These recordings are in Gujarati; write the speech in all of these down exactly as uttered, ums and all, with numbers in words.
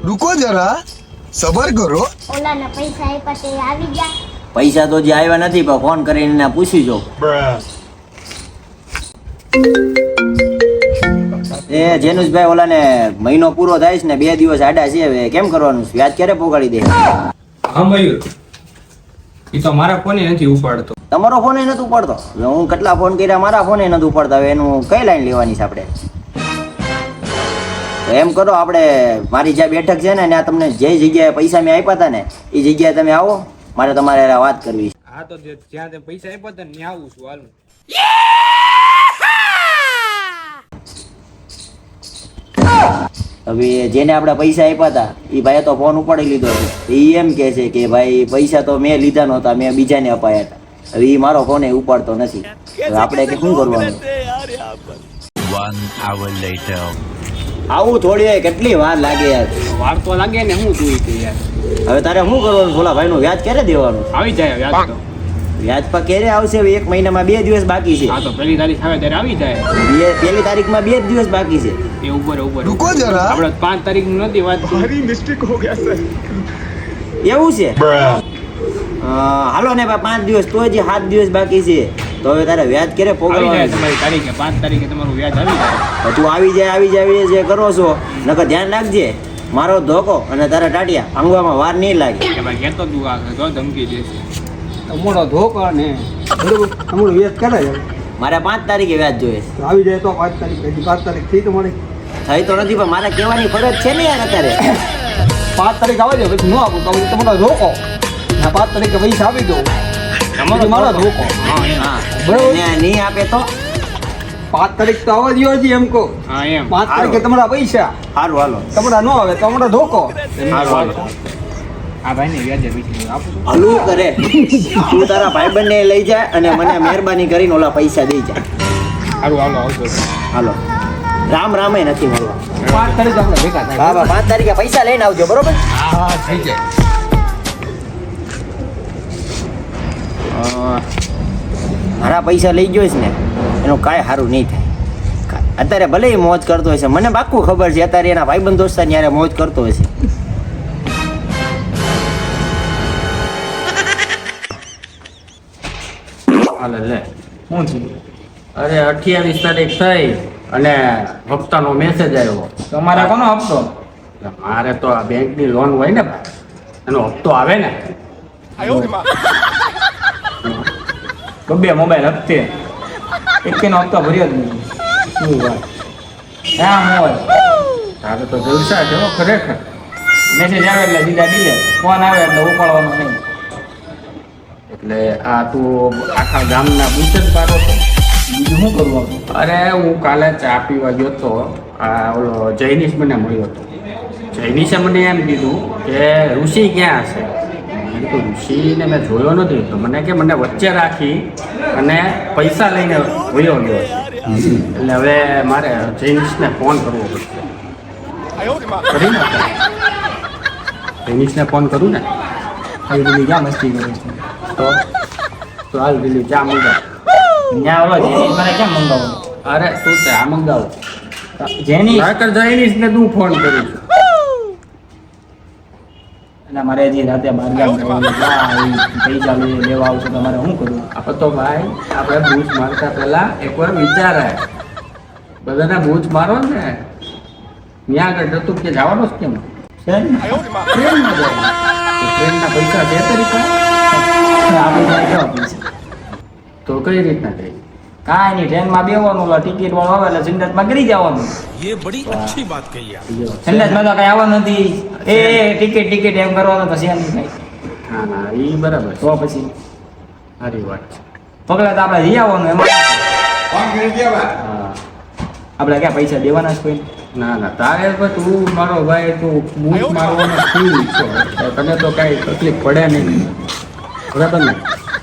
रुको जरा सबर करो ઓલાના પૈસા આપ્યા તે આવી ગયા પૈસા તો જે આવ્યા નથી પણ ફોન કરીને એને પૂછી જો એ જેનુસભાઈ ઓલાને મહિનો પૂરો થાય છે ને બે દિવસ આડા છે હવે કેમ કરવાનું છે? વ્યાજ ક્યારે પોગાડી દે? હા મયુર, એ તો મારા ફોને નથી ઉપાડતો. તમારો ફોન નથી ઉપાડતો? હું કેટલા ફોન કર્યા, મારા ફોન નથી ઉપાડતા. હવે એનું કઈ લાઈન લેવાની છે આપણે? તો એમ કરો, આપણે મારી જ્યાં બેઠક છે ને ત્યાં તમને જે જગ્યાએ પૈસા મેં આપ્યા હતા ને એ જગ્યાએ તમે આવો, મારે તમારે હારે વાત કરવી છે. હા તો જે- જ્યાં તે પૈસા આપ્યા હતા ને ત્યાં આવું છું. હાલ હવે જેને આપણે પૈસા આપ્યા હતા એ ભાઈએ તો ફોન ઉપાડી લીધો છે. એ એમ કહે છે કે ભાઈ પૈસા તો મેં લીધા નહોતા, મેં બીજાને અપાયા હતા. હવે એ મારો ફોન એ ઉપાડતો નથી. હવે આપણે કે શું કરવાનું? One hour later. આવું થોડી હોય, કેટલી વાર લાગે યાર. વાર તો લાગે ને, હું તું ઈ યાર. હવે તારે શું કરવાનું? ભોલા ભાઈનું વ્યાજ ક્યારે દેવાનું? આવી જાય વ્યાજ તો. વ્યાજ પર ક્યારે આવશે? હવે એક મહિનામાં બે દિવસ બાકી છે. હા તો પહેલી તારીખ આવે ત્યારે આવી જાય. બે પહેલી તારીખમાં બે જ દિવસ બાકી છે. એ ઉપર ઉપર रुको जरा આપણે પાંચ તારીખ નથી વાત भारी मिस्टेक हो गया सर એવું છે? અ, હાલો ને ભાઈ, પાંચ દિવસ તો હજી સાત દિવસ બાકી છે. તો હવે તારે વ્યાજ ક્યારે આવી જાય પોગળવાનું? તમારી તારીખે. પાંચ તારીખે તમારું વ્યાજ આવી જાય. તું આવી જાય આવી જાય આવી જાય જે કરો છો, નકર ધ્યાન રાખજે. મારો ધોકો અને તારા ટાટિયા ભાંગવામાં વાર નહીં લાગે. કે ભાઈ કહેતો તું આ તો ધમકી દેશે. તમારો ધોકો ને બરોબર તમારું વેચ કરે છે મારે પાંચ તારીખે વ્યાજ જોઈએ છે. તો આવી જાય તો પાંચ તારીખ હજી પાંચ તારીખ થઈ તો મળે થઈ તો નથી પણ મારે કહેવાની ફરજ છે ને યાર અત્યારે. પાંચ તારીખ આવે છે પછી ન આપું તો તમારો ધોકો ને પાંચ તારીખે પૈસા આપી દો તમારો મારો ધોકો હા એમ. હા, બરાબર. ને નહીં આપે તો પાંચ તારીખ તો આવવા દો હજી એમ કહો હા એમ. પાંચ તારીખે તમારા પૈસા સારું હાલો. તમારા ન આવે તો અમારો ધોકો સારું હાલો. આ ભાઈને વ્યાજે પૈસા આપું છું. હલવું કરે. તું તારા ભાઈબંધને લઈ જા અને મને મહેરબાની કરીને ઓલા પૈસા દઈ જા. સારું હાલો આવજો. હાલો. રામ રામે નથી મળવા. પાંચ તારીખ આપણે ભેગા થાય હા બા, પાંચ તારીખે પૈસા લઈને આવજો, બરોબર? હા થઈ જાય અ, મારા પૈસા લઈ ગયો છે ને એનું કાંઈ સારું નહીં થાય. કા- અત્યારે ભલે એ મોજ કરતો હશે, મને પાક્કું ખબર છે અત્યારે એના ભાઈબંધ દોસ્તાર યારે મોજ કરતો હશે. હાલે લે શું થયું? અરે અઠ્યાવીસ તારીખ થઈ અને હપ્તાનો મેસેજ આવ્યો. તમારે કોનો હપ્તો? એટલે મારે તો આ બેંકની લોન હોય ને ભાઈ, એનો હપ્તો આવે ને. બબ્બે મોબાઈલ હપ્તે એકેનો હપ્તો ભર્યો જ નહીં. શું વાત? હા હોય. તારે તો જલસા છે હો ખરેખર. મેસેજ આવે એટલે સીધા ડીલે, ફોન આવે એટલે ઉપાડવાનો નહીં. એટલે આ તું આખા ગામના પૂછે જ પાડો છો. બીજું શું કરવું આપણે? અરે હું કાલે ચા પીવા ગયો તો, આ ઓલો જૈનિશ મને મળ્યો હતો. જૈનિશે મને એમ કીધું કે ઋષિ ક્યાં હશે? મેં કીધું ઋષિને મેં જોયો નથી. તો મને કે મને વચ્ચે રાખી અને પૈસા લઈને વયો ગયો છે. એટલે હવે મારે જૈનિશને ફોન કરવો પડશે. કરી નાખો. જૈનિશને ફોન કરું ને આવી બધી ક્યાં મસ્તી કરે છે? તો તો હાલ દિલ્હી ચા મંગાવ. ત્યાં ઓલો જેની મને કેમ મંગાવું? અરે તું ચા મંગાવ. જેની નકર જૈનિશને તું ફોન કરીશ. એટલે મારે હજી રાતે બાર ગામ જવાનું છે. આ ઈ પૈસા લઈ લેવા આવશે તમારે શું કરવું? આપણે તો ભાઈ આપણે બૂચ મારતા પહેલા એકવાર વિચારાય. બધાને બૂચ મારો ને ત્યાં આગળ જતું કે જવાનો જ કેમ? ટ્રેનમાં જવાનું. તો ટ્રેનના પૈસા છે તરીકે આપણે ત્યાં કેવા પૈસા? તો કઈ રીતના થઈ? કાંઈ નહીં, ટ્રેનમાં બેવાનું, ઓલા ટિકિટ વાળો આવે એટલે સિંગતમાં કરી જવાનું. સંડાસમાં તો કઈ આવવાનું નથી. એ ટિકિટ ટિકિટ એમ કરવાનું તો છે નહીં કઈ. હા ના એ બરાબર છે. તો પછી સારી વાત છે. પગલા તો આપણે જઈ આવવાનું એમાં. હા આપણે ક્યાં પૈસા દેવાના છે કોઈ? ના ના તારે તો તું મારો ભાઈ તું બૂચ મારવાનો ફૂલ છો. તો તને તો કાંઈ તકલીફ પડે નહીં. બરાબર ને?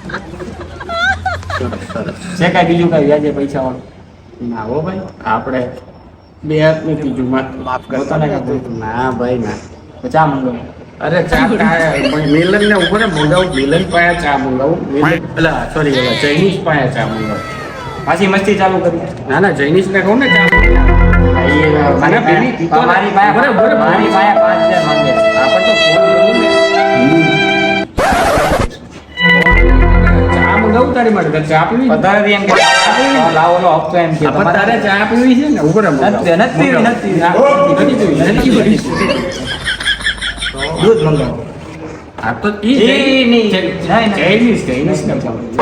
સરસ સરસ. છે કાંઈ બીજું કાંઈ વ્યાજે પૈસા વાળું? ના હો ભાઈ આપણે બે હાથની ત્રીજું માફ પોતાને કાંઈ ના ભાઈ ના. તો ચા મંગાવો. અરે ચા કાંઈ મિલન ને ઉપર મંગાવું. મિલન પાસે ચા મંગાવું. મિલન પેલા સોરી ચાઇનીઝ પાસે ચા મંગાવું. પાછી મસ્તી ચાલુ કરી. ના ના ચાઇનીઝ ને કહું ને ચા મંગાવું. મારી મને પેલી પીતો ને. પાસે બરાબર, બરાબર. મારી પાસે પાંચ હજાર માંગે મારી મારી તારે ચા પીવી છે? વધારે એમ કે લાવો લો હપ્તો એમ કે આ પણ તારે ચા પીવી છે ને ઉપર નથી નથી પીવી, નથી પીવી. નથી પીવી, નથી પીવી. દૂધ મંગાવો. આ તો ઈ ઈ નહીં. નહીં, નહીં. ચાઇનીઝ ચાઇનીઝ ને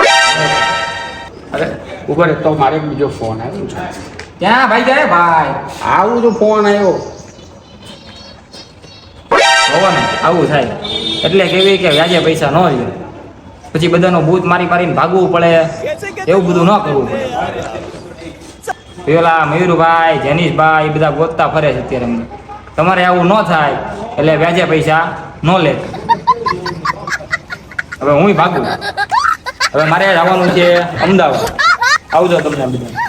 અરે ઉપર તો મારે એક બીજો ફોન આવ્યો છે. ક્યાં ભાઈ જાય ભાઈ આવું તો ફોન આવ્યો. હોવો ને આવું થાય એટલે કેવી કે વ્યાજે પૈસા ન લે પછી બધાનો ભૂત મારી મારીને ભાગવું પડે એવું બધું ન કરવું પડે. પેલા મયુરભાઈ જેનીશભાઈ એ બધા ગોતતા ફરે છે અત્યારે અમને. તમારે આવું ન થાય એટલે વ્યાજે પૈસા ન લે. હવે હું ભાગું. હવે મારે જવાનું છે અમદાવાદ. આવજો તમને બધા.